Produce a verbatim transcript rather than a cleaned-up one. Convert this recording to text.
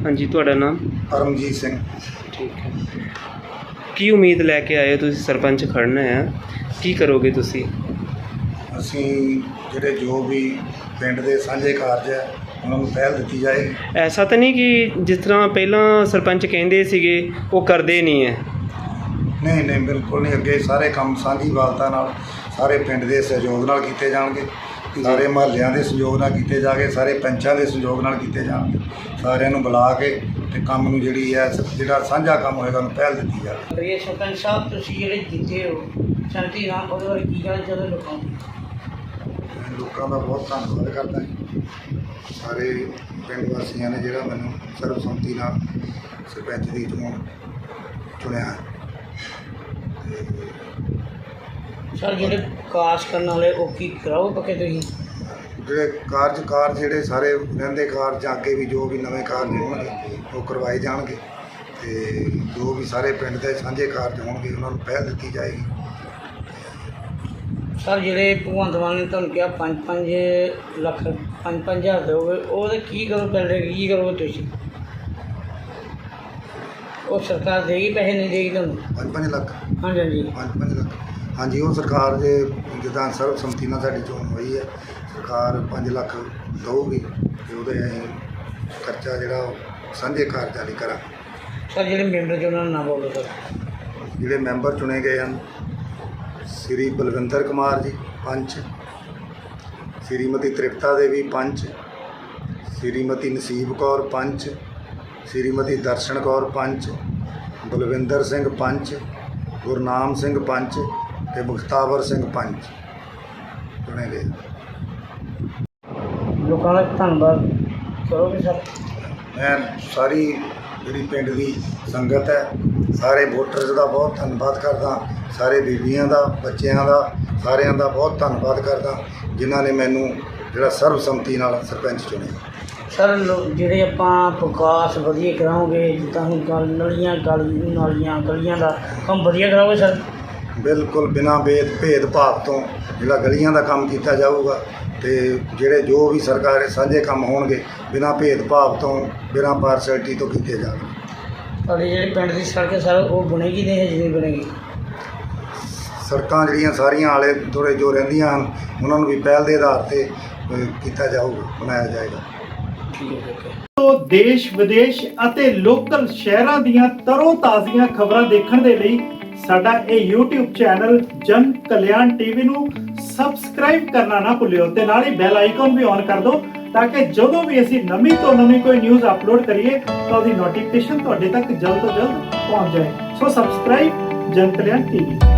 हाँ जी, तुहाडा नाम? परमजीत सिंह। ठीक है। की उम्मीद लैके आए हो तुसीं सरपंच खड़ना है, की करोगे तुसीं? ਅਸੀਂ ਜਿਹੜੇ ਜੋ ਵੀ ਪਿੰਡ ਦੇ ਸਾਂਝੇ ਕਾਰਜ ਹੈ ਉਹਨਾਂ ਨੂੰ ਪਹਿਲ ਦਿੱਤੀ ਜਾਏਗੀ। ऐसा तो नहीं कि जिस तरह पहला सरपंच कहते ਸੀਗੇ ਉਹ ਕਰਦੇ ਨਹੀਂ ਹੈ? ਨਹੀਂ ਨਹੀਂ ਬਿਲਕੁਲ ਨਹੀਂ, ਅੱਗੇ ਸਾਰੇ ਕੰਮ ਸਾਂਝੀ ਵਾਲਤਾ ਨਾਲ ਸਾਰੇ ਪਿੰਡ ਦੇ ਸਹਿਯੋਗ ਨਾਲ ਕੀਤੇ ਜਾਣਗੇ, ਸਾਰੇ ਮਹੱਲਿਆਂ ਦੇ ਸਹਿਯੋਗ ਨਾਲ ਕੀਤੇ ਜਾਣਗੇ, ਸਾਰੇ ਪੰਚਾਂ ਦੇ ਸਹਿਯੋਗ ਨਾਲ ਕੀਤੇ ਜਾਣਗੇ। ਸਾਰਿਆਂ ਨੂੰ ਬੁਲਾ ਕੇ ਤੇ ਕੰਮ ਨੂੰ ਜਿਹੜੀ ਹੈ ਜਿਹੜਾ ਸਾਂਝਾ ਕੰਮ ਹੋਏਗਾ ਉਹਨੂੰ ਪਹਿਲ ਦਿੱਤੀ ਜਾਵੇ। ਸਰਪੰਚ ਸਾਹਿਬ ਤੁਸੀਂ ਜਿਹੜੇ ਜਿੱਤੇ ਹੋ ਸ਼ਾਂਤੀ ਨਾਲ ਉਹਦੇ ਬਾਰੇ ਕੀ ਕਹਿਣਾ ਚਾਹੁੰਦੇ ਲੋਕਾਂ ਨੂੰ? ਲੋਕਾਂ ਦਾ ਬਹੁਤ ਧੰਨਵਾਦ ਕਰਦਾ ਸਾਰੇ ਪਿੰਡ ਵਾਸੀਆਂ ਨੇ ਜਿਹੜਾ ਮੈਨੂੰ ਸਰਬਸੰਮਤੀ ਨਾਲ ਸਰਪੰਚ ਦੀ ਚੋਣ ਚੁਣਿਆ। ਸਰ ਜਿਹੜੇ ਕਾਸ ਕਰਨ ਵਾਲੇ ਉਹ ਕੀ ਕਰਾਓ ਪੱਕੇ ਤੁਸੀਂ? ਜਿਹੜੇ ਕਾਰਜ ਕਾਰਜ ਜਿਹੜੇ ਸਾਰੇ ਰਹਿੰਦੇ ਕਾਰਜ ਅੱਗੇ ਵੀ ਜੋ ਵੀ ਨਵੇਂ ਕਾਰਜ ਹੋਣਗੇ ਉਹ ਕਰਵਾਏ ਜਾਣਗੇ ਅਤੇ ਜੋ ਵੀ ਸਾਰੇ ਪਿੰਡ ਦੇ ਸਾਂਝੇ ਕਾਰਜ ਹੋਣਗੇ ਉਹਨਾਂ ਨੂੰ ਪਹਿਲ ਦਿੱਤੀ ਜਾਏਗੀ। ਸਰ ਜਿਹੜੇ ਭਗਵੰਤ ਮਾਨ ਨੇ ਤੁਹਾਨੂੰ ਕਿਹਾ ਪੰਜ ਪੰਜ ਲੱਖ ਪੰਜ ਪੰਜ ਹਜ਼ਾਰ ਦਿਓਗੇ ਉਹਦੇ ਕੀ ਕਰੋ ਪਹਿਲੇ ਕੀ ਕਰੋਗੇ ਤੁਸੀਂ? ਉਹ ਸਰਕਾਰ ਦੇਗੀ ਪੈਸੇ ਨਹੀਂ ਦੇਗੀ ਤੁਹਾਨੂੰ? ਪੰਜ ਪੰਜ ਲੱਖ ਹਾਂਜੀ ਹਾਂਜੀ ਪੰਜ ਪੰਜ ਲੱਖ ਹਾਂਜੀ, ਉਹ ਸਰਕਾਰ ਦੇ ਜਿੱਦਾਂ ਸਰਬਸੰਮਤੀ ਨਾਲ ਸਾਡੀ ਚੋਣ ਹੋਈ ਹੈ, ਸਰਕਾਰ ਪੰਜ ਲੱਖ ਦਊਗੀ ਅਤੇ ਉਹਦੇ ਅਸੀਂ ਖਰਚਾ ਜਿਹੜਾ ਉਹ ਸਾਂਝੇ ਕਾਰਜਾਂ ਲਈ ਕਰਾਂਗੇ। ਸਰ ਜਿਹੜੇ ਮੈਂਬਰ ਜੀ ਉਹਨਾਂ ਦਾ ਨਾਮ ਬੋਲੋ ਸਰ। ਜਿਹੜੇ ਮੈਂਬਰ ਚੁਣੇ ਗਏ ਹਨ, ਸ੍ਰੀ ਬਲਵਿੰਦਰ ਕੁਮਾਰ ਜੀ ਪੰਚ, ਸ਼੍ਰੀਮਤੀ ਤ੍ਰਿਪਤਾ ਦੇਵੀ ਪੰਚ, ਸ਼੍ਰੀਮਤੀ ਨਸੀਬ ਕੌਰ ਪੰਚ, ਸ਼੍ਰੀਮਤੀ ਦਰਸ਼ਨ ਕੌਰ ਪੰਚ, ਬਲਵਿੰਦਰ ਸਿੰਘ ਪੰਚ, ਗੁਰਨਾਮ ਸਿੰਘ ਪੰਚ ਅਤੇ ਮੁਖਤਾਬਰ ਸਿੰਘ ਪੰਚ ਚੁਣੇ ਗਏ। ਲੋਕਾਂ ਦਾ ਧੰਨਵਾਦ ਕਰੋਗੇ ਸਰ? ਮੈਂ ਸਾਰੀ ਜਿਹੜੀ ਪਿੰਡ ਦੀ ਸੰਗਤ ਹੈ, ਸਾਰੇ ਵੋਟਰਸ ਦਾ ਬਹੁਤ ਧੰਨਵਾਦ ਕਰਦਾ, ਸਾਰੇ ਬੀਬੀਆਂ ਦਾ, ਬੱਚਿਆਂ ਦਾ, ਸਾਰਿਆਂ ਦਾ ਬਹੁਤ ਧੰਨਵਾਦ ਕਰਦਾ ਜਿਨ੍ਹਾਂ ਨੇ ਮੈਨੂੰ ਜਿਹੜਾ ਸਰਬਸੰਮਤੀ ਨਾਲ ਸਰਪੰਚ ਚੁਣਿਆ। ਸਰ ਜਿਹੜੇ ਆਪਾਂ ਵਿਕਾਸ ਵਧੀਆ ਕਰਾਓਗੇ ਜਿੱਦਾਂ ਹੁਣ ਗਲ ਨਲੀਆਂ ਗਲੀ ਨਾਲੀਆਂ ਗਲੀਆਂ ਦਾ ਕੰਮ ਵਧੀਆ ਕਰਾਓਗੇ ਸਰ? ਬਿਲਕੁਲ ਬਿਨਾਂ ਭੇਦ ਭੇਦਭਾਵ ਤੋਂ ਜਿਹੜਾ ਗਲੀਆਂ ਦਾ ਕੰਮ ਕੀਤਾ ਜਾਊਗਾ ਅਤੇ ਜਿਹੜੇ ਜੋ ਵੀ ਸਰਕਾਰ ਸਾਂਝੇ ਕੰਮ ਹੋਣਗੇ ਬਿਨਾਂ ਭੇਦਭਾਵ ਤੋਂ ਬਿਨਾਂ ਪਾਰਸ਼ੈਲਿਟੀ ਤੋਂ ਕੀਤੇ ਜਾਣਗੇ। ਤੁਹਾਡੇ ਜਿਹੜੇ ਪਿੰਡ ਦੀ ਸੜਕ ਸਰ ਉਹ ਬਣੇਗੀ ਨਹੀਂ ਹਜੇ ਨਹੀਂ ਬਣੇਗੀ? ਸੜਕਾਂ ਜਿਹੜੀਆਂ ਸਾਰੀਆਂ ਆਲੇ ਦੁਆਲੇ ਜੋ ਰਹਿੰਦੀਆਂ ਹਨ ਉਹਨਾਂ ਨੂੰ ਵੀ ਪਹਿਲ ਦੇ ਆਧਾਰ 'ਤੇ ਕੀਤਾ ਜਾਊਗਾ, ਬਣਾਇਆ ਜਾਏਗਾ। ਤੋਂ ਦੇਸ਼ ਵਿਦੇਸ਼ ਅਤੇ ਲੋਕਲ ਸ਼ਹਿਰਾਂ ਦੀਆਂ ਤਰੋ ਤਾਜ਼ੀਆਂ ਖਬਰਾਂ ਦੇਖਣ ਦੇ ਲਈ ਸਾਡਾ ਇਹ YouTube ਚੈਨਲ ਜਨ ਕਲਿਆਣ ਟੀਵੀ ਨੂੰ ਸਬਸਕ੍ਰਾਈਬ ਕਰਨਾ ਨਾ ਭੁੱਲਿਓ ਤੇ ਨਾਲ ਹੀ ਬੈਲ ਆਈਕਨ ਵੀ ਔਨ ਕਰ ਦਿਓ ਤਾਂ ਕਿ ਜਦੋਂ ਵੀ ਅਸੀਂ ਨਵੀਂ ਤੋਂ ਨਵੀਂ ਕੋਈ ਨਿਊਜ਼ ਅਪਲੋਡ ਕਰੀਏ ਤਾਂ ਉਹਦੀ ਨੋਟੀਫਿਕੇਸ਼ਨ ਤੁਹਾਡੇ ਤੱਕ ਜਲਦ ਤੋਂ ਜਲਦ ਪਹੁੰਚ ਜਾਏ। ਸੋ ਸਬਸਕ੍ਰਾਈਬ ਜਨ ਕਲਿਆਣ ਟੀਵੀ।